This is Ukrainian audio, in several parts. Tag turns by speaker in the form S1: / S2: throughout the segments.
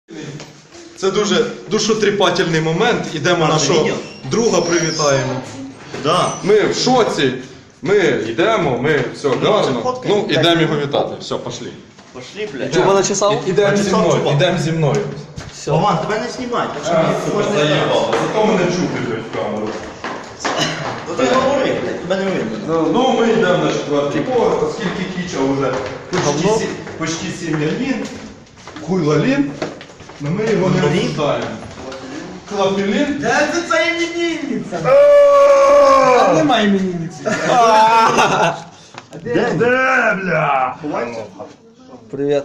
S1: Це дуже душотріпательний момент. Ідемо нашого друга привітаємо.
S2: Да.
S1: Ми в шоці. Ми йдемо, ми все гарно. Ну, йдемо його вітати. Все, пошли.
S2: Пошли, блядь.
S3: Чуба начесав?
S1: Ідемо зі мною, ідемо зі мною.
S2: Роман, тебе не знімай, так що можна не
S1: Заїбало. Зато мене чути, блядь, в камеру.
S2: Ну ти говори, блядь, тебе не видно.
S1: Ну, ми йдемо на четвертий поверх, оскільки Кіча вже почти 7 лін. Хуй лалін. Но ми його не обсуждаємо. Клапілін.
S2: Да це іменинниця!
S3: Немає іменинниці.
S2: Де, бля?
S3: Привіт.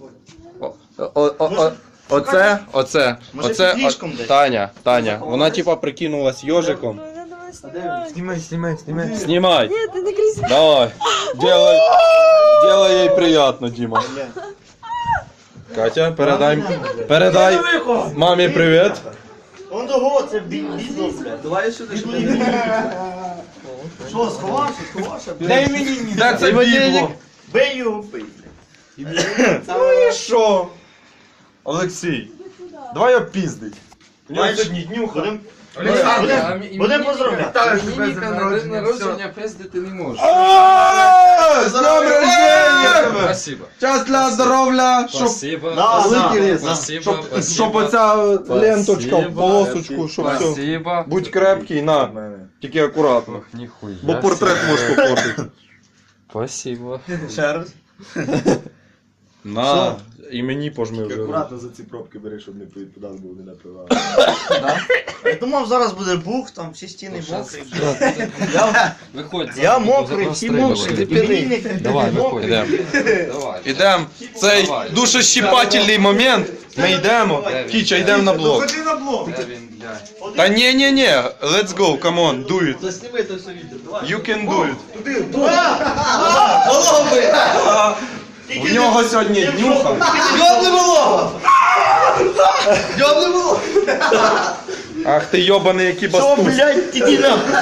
S1: Оце.
S2: Може, слишком десь?
S1: Таня. Вона типа прикинулась йожиком.
S3: Знімай.
S1: Снимай.
S4: Нет, ты не кричи.
S1: Давай. Делай ей приятно, Дима. Катя, передай мамі привіт.
S2: Он того, це бізнес, блядь.
S3: Давай сюди.
S2: Що, сховався, блядь?
S3: Дай іменинниці.
S1: Так, це бібло.
S2: Бей його, бий, блядь.
S1: Ну і що? Олексій, давай опіздить. У нього сьогодні днюха.
S2: Будемо поздравляти.
S5: Іменинника на день народження пиздити не можеш.
S1: З днем рождения!
S5: Спасибо.
S1: Щастя, здоров'я,
S5: Спасибо.
S1: щоб оця ленточка в полосочку, щоб все.
S5: Спасибо.
S1: Будь крепкий, на. Тільки акуратно.
S5: Ох, ніхуя.
S1: Бо портрет можеш попортити.
S5: Спасибо.
S2: Ще раз.
S1: На. І мені пожми вже.
S6: Акуратно за ці пробки бери, щоб не підпадав, бо вони напивали.
S2: Я думав, зараз буде бух, там всі стіни мокрі.
S5: Виходь.
S2: Я мокрий, всі мокрі. Іменинник,
S5: Давай, виходь.
S1: Ідемо.
S5: Давай.
S1: Ідемо. Цей душещипательний момент. Ми йдемо. Кіча, йдемо на блок.
S2: Ходи на блок.
S5: Де він, блядь?
S1: Та ні, let's go, come on, do it.
S3: Засніми це все відео. Давай.
S1: You can do it.
S2: Голови!
S1: У нього сьогодні днюха.
S2: Йобни волога! Йобни волога!
S1: Ах ти йобаний, який
S2: Що,
S1: бастус.
S2: блядь, іди нахуй!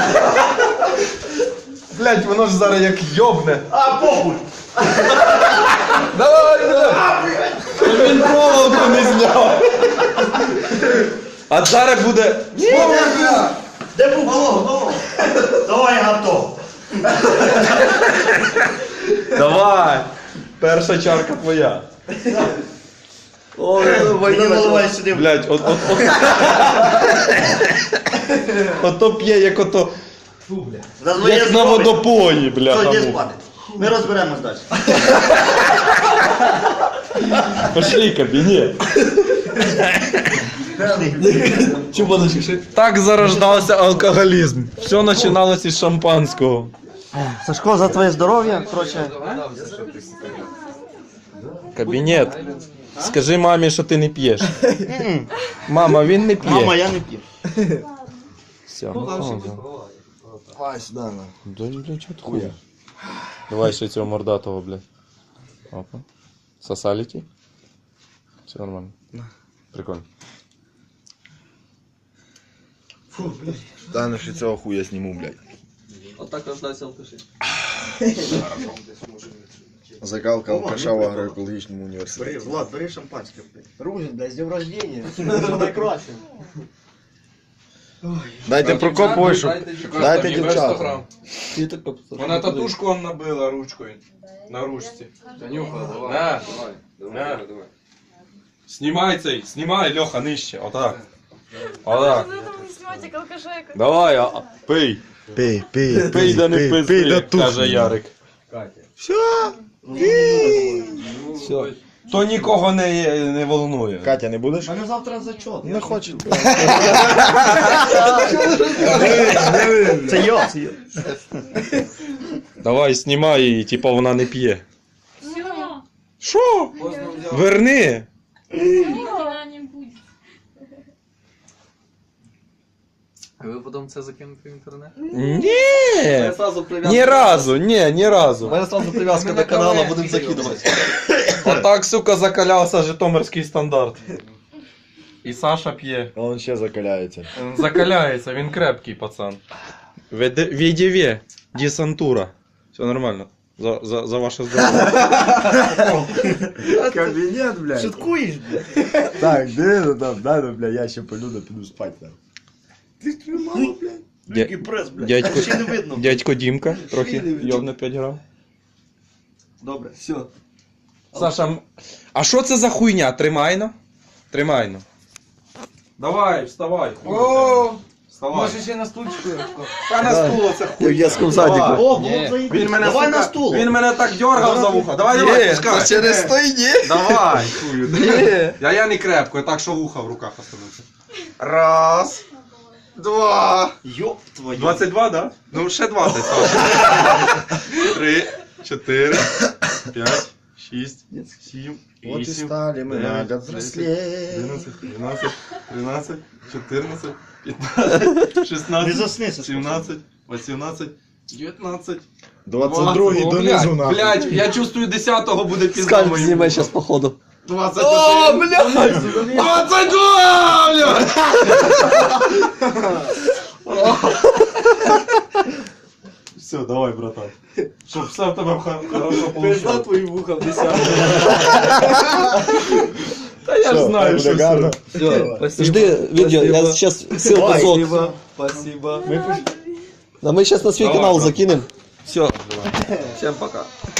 S1: Блять, воно ж зараз як йобне.
S2: А, похуй!
S1: Давай. Він проволоку не зняв. А зараз буде.
S2: Де був волога? Давай, я готов.
S1: Давай. Перша чарка твоя.
S2: Мені наливай сюди.
S1: Блять, ото п'є, як ото. Як на водопої,
S2: Все,
S1: бля.
S2: йди спати. Ми розберемось далі.
S1: Пошли, кабінет.
S3: Чуба начеши.
S1: Так зарождався алкоголізм. Все починалося із шампанського.
S2: Сашко, за твоє здоров'я, коротше.
S1: Кабінет. Скажи мамі, що ти не п'єш. Мама, він не п'є.
S2: Мама, я не п'ю.
S1: Все.
S6: Давай сюди, на.
S1: Да, блядь, чого ти хуя? Давай ще цього мордатого, блядь. Опа. Сосаліті? Все нормально. Прикольно.
S6: Та ну ще цього хуя зніму, блядь.
S3: Отак рождався алкаші.
S6: Закалка алкаша в агроекологічному університеті.
S2: Влад, бери шампанське.
S6: Рузин, блядь, з днем рождения.
S2: Найкраще.
S6: Дайте Прокопову, щоб... Дайте дівчатам.
S3: Ти так попитав.
S1: Вона татушку он набила ручкою. На ручці.
S5: Танюха, давай.
S1: На.
S5: Давай.
S1: Знімай цей, знімай, Льоха, нижче. Отак. Отак.
S4: Ну, это вы снимаете как алкашей.
S1: Давай, пий.
S6: Пий,
S1: Пий да не пизди, каже Ярик.
S3: Все.
S1: То нікого не волнує.
S6: Катя, не будеш?
S2: У мене завтра зачот.
S6: Не хоче.
S2: Це я.
S1: Давай, знімай її, типа вона не п'є.
S4: Все.
S1: Що? Верни.
S4: Никогда не будет.
S5: А ви потім це закинете в інтернет?
S1: Ні.
S3: Сразу прив'язка.
S1: Ні разу.
S3: У мене сразу прив'язка до каналу, будемо закидувати.
S1: Отак, сука, закалявся житомирський стандарт. І Саша п'є.
S6: Он ще закаляється.
S1: Закаляється, він крепкий пацан. Відєвє, десантура. Все нормально.
S7: За ваше здоров'я.
S6: Кабінет, блядь.
S2: Шуткуєш, блядь?
S6: Так, де ну там, да, ну, блядь, я ще полюду, піду спать там. Ти ж мало, блядь.
S2: Який прес, блядь.
S7: Дядько,
S2: Ще не видно.
S7: дядько Дімка, трохи йовне 5 грам.
S2: Добре, все.
S7: Саша, а що це за хуйня? Тримайно? Тримайно. Давай, вставай.
S1: О,
S7: Вставай.
S1: може ще на стульчику. Та на стул це
S6: Як в
S1: хуй.
S6: дитячому
S7: Давай.
S6: садику.
S2: О, було
S5: Ні.
S2: б заїбись.
S7: Він мене,
S2: Давай
S7: сука,
S2: на стул.
S7: Він мене так дергав за вуха. Давай, пускай.
S6: через той ні.
S7: Давай, хую. Я не крепко, я так, що вуха в руках остануться. Раз. Два.
S2: Йоп твою.
S7: 22, да? Ну, ще 20, Саша. 3, 4, 5, 6, 7,
S6: Вот и
S7: 8,
S6: стали мы
S7: 9,
S6: на
S7: 10,
S6: взрослеть.
S7: 11, 12, 13, 14, 15,
S2: Не
S7: 16,
S2: засни, Сашко.
S7: 17, 18, 19,
S6: 22-й
S7: О,
S6: донизу нахуй.
S7: блядь, я чувствую, 10-го буде пізно
S3: Скальп
S7: моїм.
S3: знімай зараз походу.
S7: 21.
S3: О, блядь!
S7: 22, блядь! Все, давай, братан. Щоб все в тебе хорошо получилось.
S3: твої вуха в 10.
S7: Та я ж
S6: Все,
S7: знаю,
S6: так
S7: що
S6: буде
S7: все.
S6: гарно.
S3: Все, жди відео, я зараз ссылку зот.
S5: Спасибо.
S3: А ми зараз на свій
S7: Давай,
S3: канал
S7: брат.
S3: закинемо. Все. Всем пока.